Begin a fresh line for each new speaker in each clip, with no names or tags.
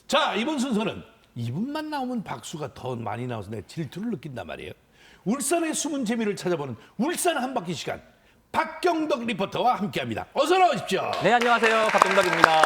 자, 이번 순서는 이분만 나오면 박수가 더 많이 나와서 내가 질투를 느낀단 말이에요. 울산의 숨은 재미를 찾아보는 울산 한 바퀴 시간. 박경덕 리포터와 함께합니다. 어서 나오십시오.
네, 안녕하세요. 박경덕입니다.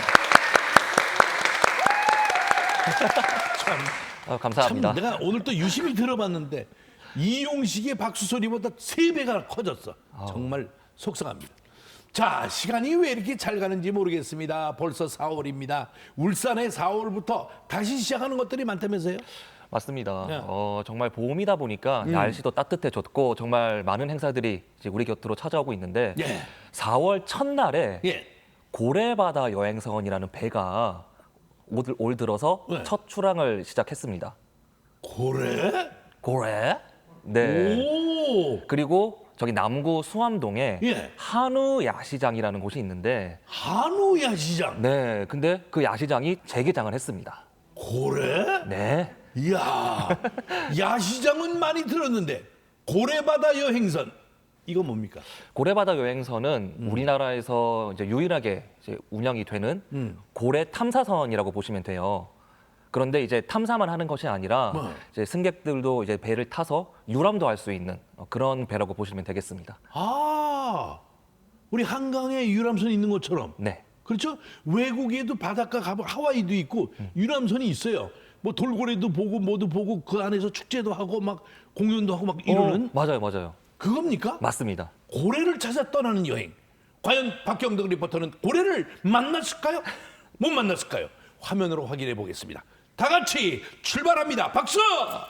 감사합니다.
참 내가 오늘 또 유심히 들어봤는데 이용식의 박수 소리보다 3배가 커졌어. 정말 속상합니다. 자, 시간이 왜 이렇게 잘 가는지 모르겠습니다. 벌써 4월입니다. 울산에 4월부터 다시 시작하는 것들이 많다면서요?
맞습니다.
네.
정말 봄이다 보니까 날씨도 따뜻해졌고 정말 많은 행사들이 이제 우리 곁으로 찾아오고 있는데
예.
4월 첫날에
예.
고래바다 여행선이라는 배가 올 들어서
네.
첫 출항을 시작했습니다.
고래?
고래? 네.
오!
그리고 저기 남구 수암동에
예.
한우 야시장이라는 곳이 있는데
한우 야시장.
네, 근데 그 야시장이 재개장을 했습니다.
고래?
네.
이야, 야시장은 많이 들었는데 고래바다 여행선 이거 뭡니까?
고래바다 여행선은 우리나라에서 이제 유일하게 이제 운영이 되는 고래 탐사선이라고 보시면 돼요. 그런데 이제 탐사만 하는 것이 아니라
뭐?
이제 승객들도 이제 배를 타서 유람도 할 수 있는 그런 배라고 보시면 되겠습니다.
아, 우리 한강에 유람선 있는 것처럼.
네.
그렇죠? 외국에도 바닷가 가면 하와이도 있고 유람선이 있어요. 뭐 돌고래도 보고 뭐도 보고 그 안에서 축제도 하고 막 공연도 하고 막 이러는
맞아요, 맞아요.
그겁니까?
맞습니다.
고래를 찾아 떠나는 여행. 과연 박경덕 리포터는 고래를 만났을까요? 못 만났을까요? 화면으로 확인해 보겠습니다. 다 같이 출발합니다. 박수!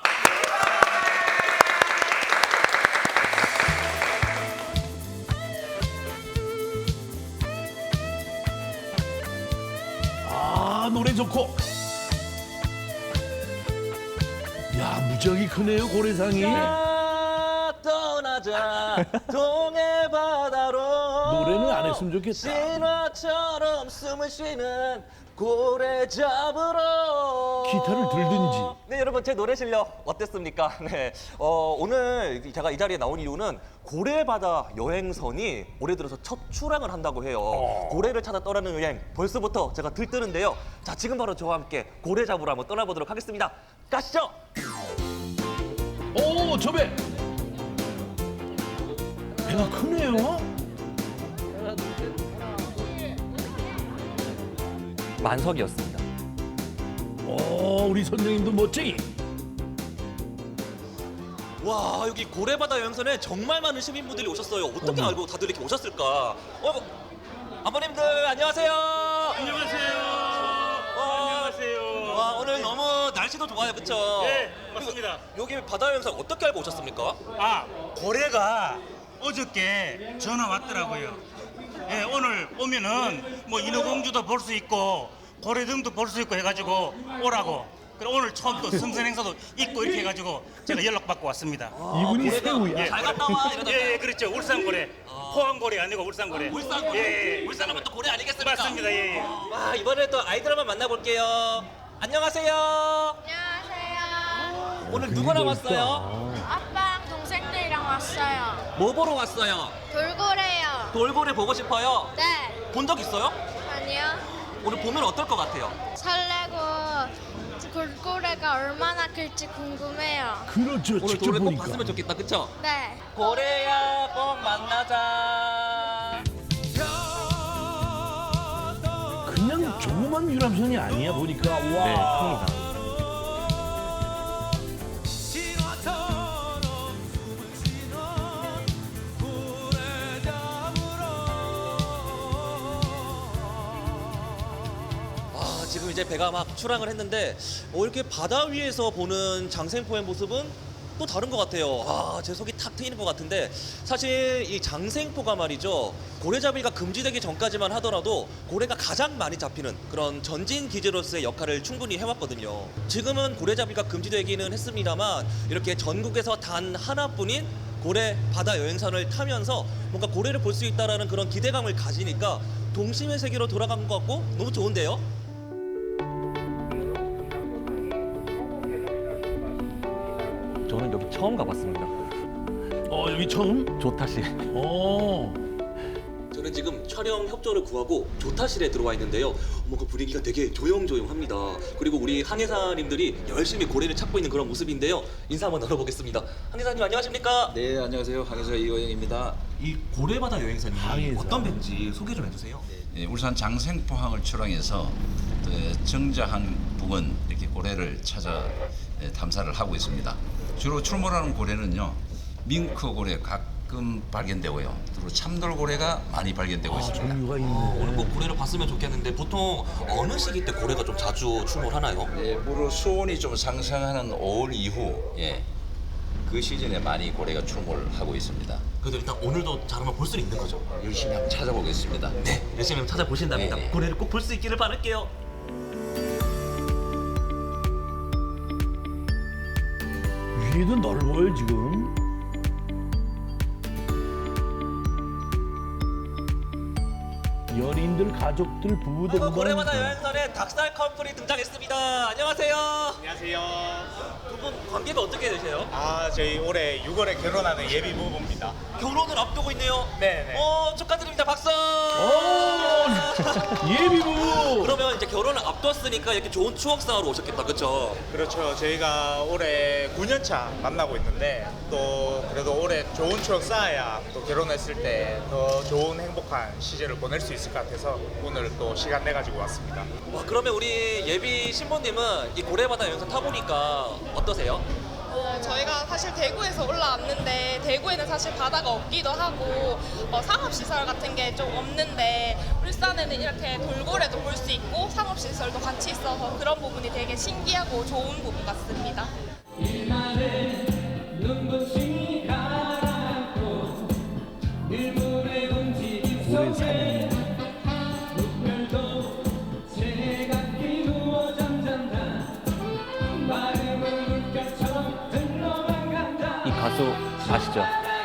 아, 노래 좋고. 야, 무지하게 크네요, 고래상이.
자, 떠나자 동해 바다로
노래는 안 했으면 좋겠다.
신화처럼 숨을 쉬는 고래 잡으러
기타를 들든지.
네, 여러분 제 노래 실력 어땠습니까? 네, 오늘 제가 이 자리에 나온 이유는 고래바다 여행선이 올해 들어서 첫 출항을 한다고 해요. 고래를 찾아 떠나는 여행 벌써부터 제가 들뜨는데요. 자, 지금 바로 저와 함께 고래 잡으러 한번 떠나보도록 하겠습니다. 가시죠.
오, 저 배. 배가 크네요.
만석이었습니다.
오, 우리 선생님도 멋쟁이.
와, 여기 고래바다 여행선에 정말 많은 시민분들이 오셨어요. 어떻게 알고 다들 이렇게 오셨을까? 아버님들 안녕하세요.
안녕하세요. 안녕하세요.
와, 오늘 너무 날씨도 좋아요, 그렇죠?
네, 맞습니다.
여기 바다 여행선 어떻게 알고 오셨습니까?
아, 고래가 어저께 전화 왔더라고요. 예, 오늘 오면은 뭐 인어공주도 볼 수 있고 고래등도 볼 수 있고 해가지고 오라고. 그리고 오늘 처음 또 승선 행사도 있고 이렇게 해가지고 제가 연락받고 왔습니다.
이분이 새우야.
예.
잘 갔다 와 이러던데.
예, 그렇죠. 울산고래. 포항고래 아니고 울산고래.
울산고래.
예, 예.
울산하면 또 고래 아니겠습니까?
맞습니다. 예, 예.
와, 이번에 또 아이들 한번 만나볼게요. 안녕하세요.
안녕하세요.
오늘 누구랑 왔어요?
아빠랑 동생들이랑 왔어요.
뭐 보러 왔어요?
돌고래요.
돌고래 보고 싶어요?
네.
본 적 있어요?
아니요.
오늘 보면 어떨 것 같아요?
설레고 돌고래가 얼마나 클지 궁금해요.
그렇죠.
오늘
직접
돌고래 꼭
보니까.
봤으면 좋겠다, 그쵸?
네.
고래야 꼭 만나자.
그냥 조그만 유람선이 아니야 보니까. 와.
네, 큽니다. 지금 이제 배가 막 출항을 했는데 이렇게 바다 위에서 보는 장생포의 모습은 또 다른 것 같아요. 제 속이 탁 트이는 것 같은데 사실 이 장생포가 말이죠. 고래잡이가 금지되기 전까지만 하더라도 고래가 가장 많이 잡히는 그런 전진 기지로서의 역할을 충분히 해왔거든요. 지금은 고래잡이가 금지되기는 했습니다만 이렇게 전국에서 단 하나뿐인 고래 바다 여행선을 타면서 뭔가 고래를 볼 수 있다는 그런 기대감을 가지니까 동심의 세계로 돌아간 것 같고 너무 좋은데요. 저는 여기 처음 가봤습니다.
여기 처음?
조타시.
어.
저는 저는 지금 촬영 협조를 구하고 조타실에 들어와 있는데요. 뭔가 분위기가 되게 조용조용합니다. 그리고 우리 항해사님들이 열심히 고래를 찾고 있는 그런 모습인데요. 인사 한번 나눠보겠습니다. 항해사님 안녕하십니까?
네, 안녕하세요. 항해사 이호영입니다.
이 고래바다 여행사님
항해사.
어떤 배인지 소개 좀 해주세요.
네, 울산 장생포항을 출항해서 정자항 부근 이렇게 고래를 찾아 탐사를 하고 있습니다. 주로 출몰하는 고래는요, 밍크 고래 가끔 발견되고요. 그리고 참돌고래가 많이 발견되고 있습니다.
종류가
오늘
있네.
꼭 고래를 봤으면 좋겠는데 보통 어느 시기 때 고래가 좀 자주 출몰하나요?
네, 물 수온이 좀 상승하는 5월 이후, 그 시즌에 많이 고래가 출몰하고 있습니다.
그래도 일단 오늘도 잘 한번 볼 수 있는 거죠?
열심히 한번 찾아보겠습니다.
네, 열심히 한번 찾아보신답니다.
네.
고래를 꼭 볼 수 있기를 바랄게요.
위에도 넓어요 지금. 연인들, 가족들, 부부들.
고래바다 여행선에 닭살 커플이 등장했습니다. 안녕하세요.
안녕하세요.
두 분 관계가 어떻게 되세요?
저희 올해 6월에 결혼하는 예비 부부입니다.
결혼을 앞두고 있네요.
네네.
축하드립니다. 박수.
예비부.
그러면 이제 결혼을 앞뒀으니까 이렇게 좋은 추억 쌓으러 오셨겠다, 그렇죠?
그렇죠. 저희가 올해 9년차 만나고 있는데 또 그래도 올해 좋은 추억 쌓아야 또 결혼했을 때 더 좋은 행복한 시절을 보낼 수 있을 것 같아서 오늘 또 시간 내 가지고 왔습니다.
와, 그러면 우리 예비 신부님은 이 고래바다 여행선 타보니까 어떠세요?
저희가 사실 대구에서 올라왔는데 대구에는 사실 바다가 없기도 하고 상업시설 같은 게 좀 없는데 울산에는 이렇게 돌고래도 볼 수 있고 상업시설도 같이 있어서 그런 부분이 되게 신기하고 좋은 부분 같습니다.
고래 사냥.
이 가수 아시죠?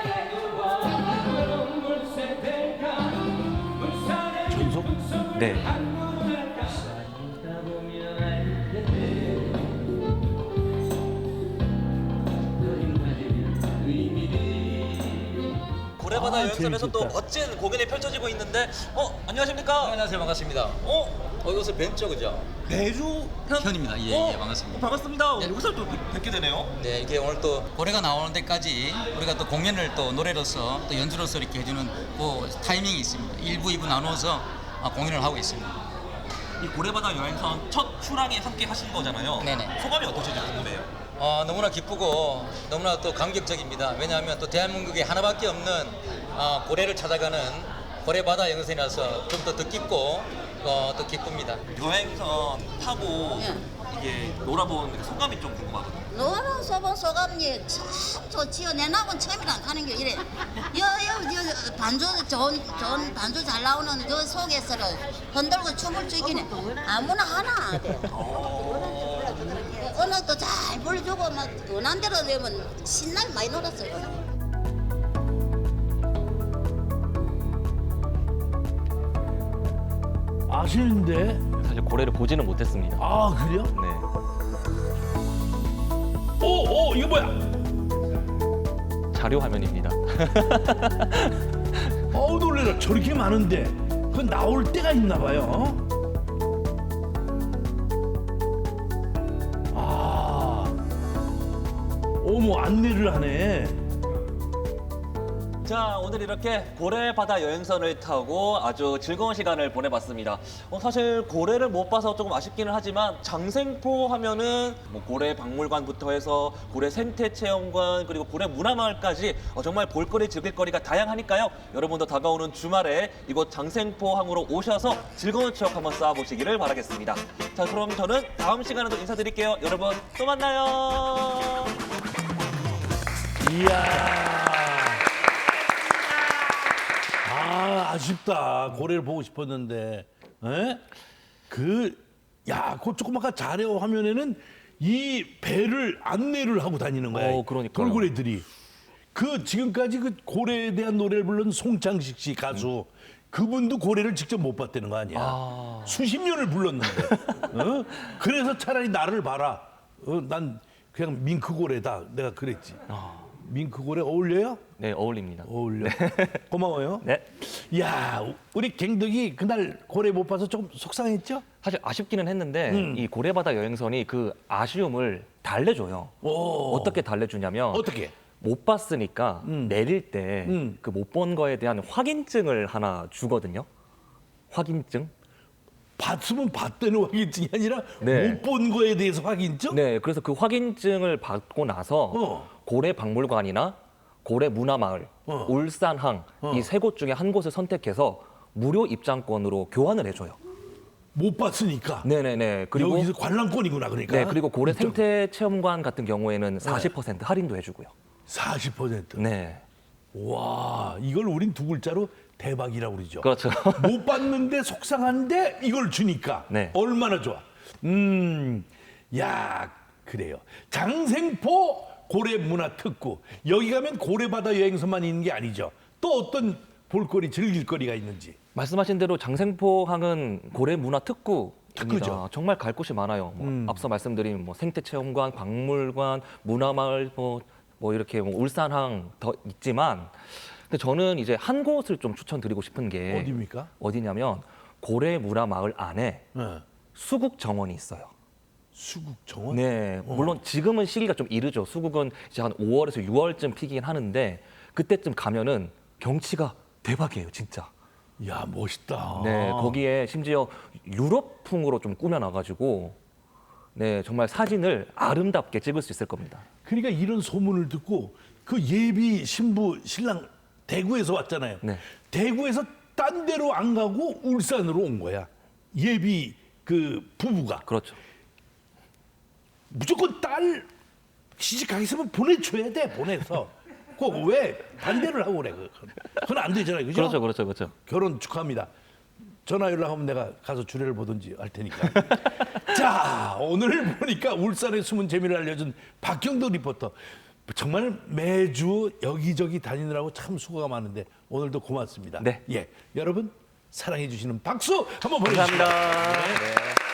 전속.
네.
고래바다
아,
여행선에서 또
재밌겠다.
멋진 공연이 펼쳐지고 있는데
네,
안녕하십니까?
안녕하세요. 반갑습니다. 이것은 벤처 그죠?
배주
현입니다. 예, 반갑습니다.
반갑습니다.
예.
여기서 또 뵙게 되네요.
네, 이게 오늘 또 고래가 나오는 데까지 우리가 또 공연을 또 노래로서 또 연주로서 이렇게 해주는 그 타이밍이 있습니다. 1부, 2부 나누어서 공연을 하고 있습니다.
이 고래바다 여행선 첫 출항에 함께 하신 거잖아요.
네네.
소감이 어떠신지 궁금해요.
너무나 기쁘고 너무나 또 감격적입니다. 왜냐하면 또 대한민국에 하나밖에 없는 고래를 찾아가는 고래바다 여행선이라서 좀 더 뜻깊고 또 기쁩니다.
여행선 타고 이게 놀아본 소감이 좀 궁금하거든요.
노란 소본 소감이 참 좋지요. 내 나고는 처음이라 하는 게 이래. 여 반주 좋은 반주 잘 나오는 그 속에서를 흔들고 춤을 추기는 아무나 하나 돼. 음악도 잘 불러주고 막 원한 대로 되면 신나게 많이 놀았어요.
아시는데?
사실 고래를 보지는 못했습니다.
아 그래요?
네.
오 이거 뭐야?
자료 화면입니다.
어우 놀래라. 저렇게 많은데 그 나올 때가 있나 봐요. 어머 안내를 하네.
자, 오늘 이렇게 고래바다 여행선을 타고 아주 즐거운 시간을 보내봤습니다. 사실 고래를 못 봐서 조금 아쉽기는 하지만 장생포 하면은 뭐 고래 박물관부터 해서 고래 생태체험관 그리고 고래 문화마을까지 정말 볼거리 즐길거리가 다양하니까요. 여러분도 다가오는 주말에 이곳 장생포항으로 오셔서 즐거운 추억 한번 쌓아보시기를 바라겠습니다. 자, 그럼 저는 다음 시간에도 인사드릴게요. 여러분 또 만나요.
이야. 아쉽다. 고래를 보고 싶었는데. 에? 그 조그마한 자료 화면에는 이 배를 안내를 하고 다니는 거야.
그러니까요.
돌고래들이. 그 지금까지 그 고래에 대한 노래를 부른 송창식 씨 가수. 그분도 고래를 직접 못 봤다는 거 아니야. 수십 년을 불렀는데. 그래서 차라리 나를 봐라. 난 그냥 밍크고래다. 내가 그랬지. 밍크고래 어울려요?
네, 어울립니다.
어울려. 고마워요.
네.
야, 우리 갱덕이 그날 고래 못 봐서 조금 속상했죠?
사실 아쉽기는 했는데 이 고래바다 여행선이 그 아쉬움을 달래줘요.
오.
어떻게 달래주냐면
어떻게?
못 봤으니까 내릴 때 그 못 본 거에 대한 확인증을 하나 주거든요. 확인증?
봤으면 봤다는 확인증이 아니라
네.
못 본 거에 대해서 확인증?
네, 그래서 그 확인증을 받고 나서 고래 박물관이나 고래 문화마을, 울산항 이 세 곳 중에 한 곳을 선택해서 무료 입장권으로 교환을 해줘요.
못 봤으니까.
네네네. 그리고
여기서 관람권이구나 그러니까.
네, 그리고 고래 생태 체험관 같은 경우에는 40% 할인도 해주고요.
40%.
네,
와, 이걸 우린 두 글자로 대박이라고 그러죠.
그렇죠.
못 봤는데 속상한데 이걸 주니까
네.
얼마나 좋아. 야, 그래요. 장생포 고래문화특구. 여기 가면 고래바다 여행선만 있는 게 아니죠. 또 어떤 볼거리, 즐길거리가 있는지.
말씀하신 대로 장생포항은 고래 문화 특구입니다.
특구죠.
정말 갈 곳이 많아요. 앞서 말씀드린 뭐 생태체험관, 박물관, 문화마을, 뭐 이렇게 뭐 울산항 더 있지만, 근데 저는 이제 한 곳을 좀 추천드리고 싶은 게
어디입니까?
어디냐면 고래 문화마을 안에
네.
수국 정원이 있어요.
수국 정원?
네, 물론 지금은 시기가 좀 이르죠. 수국은 이제 한 5월에서 6월쯤 피긴 하는데 그때쯤 가면은 경치가 대박이에요, 진짜.
야, 멋있다.
네, 거기에 심지어 유럽풍으로 좀 꾸며놔가지고 네, 정말 사진을 아름답게 찍을 수 있을 겁니다.
그러니까 이런 소문을 듣고 그 예비 신부 신랑 대구에서 왔잖아요.
네.
대구에서 딴 데로 안 가고 울산으로 온 거야. 예비 그 부부가.
그렇죠.
무조건 딸 시집 가기 있으면 보내줘야 돼. 보내서. 꼭 왜 반대를 하고 그래. 그건 안 되잖아요. 그죠?
그렇죠, 그렇죠, 그렇죠.
결혼 축하합니다. 전화 연락하면 내가 가서 주례를 보든지 할 테니까. 자, 오늘 보니까 울산의 숨은 재미를 알려준 박경덕 리포터. 정말 매주 여기저기 다니느라고 참 수고가 많은데 오늘도 고맙습니다.
네.
예, 여러분 사랑해 주시는 박수 한번 보내주시죠.
감사합니다. 네.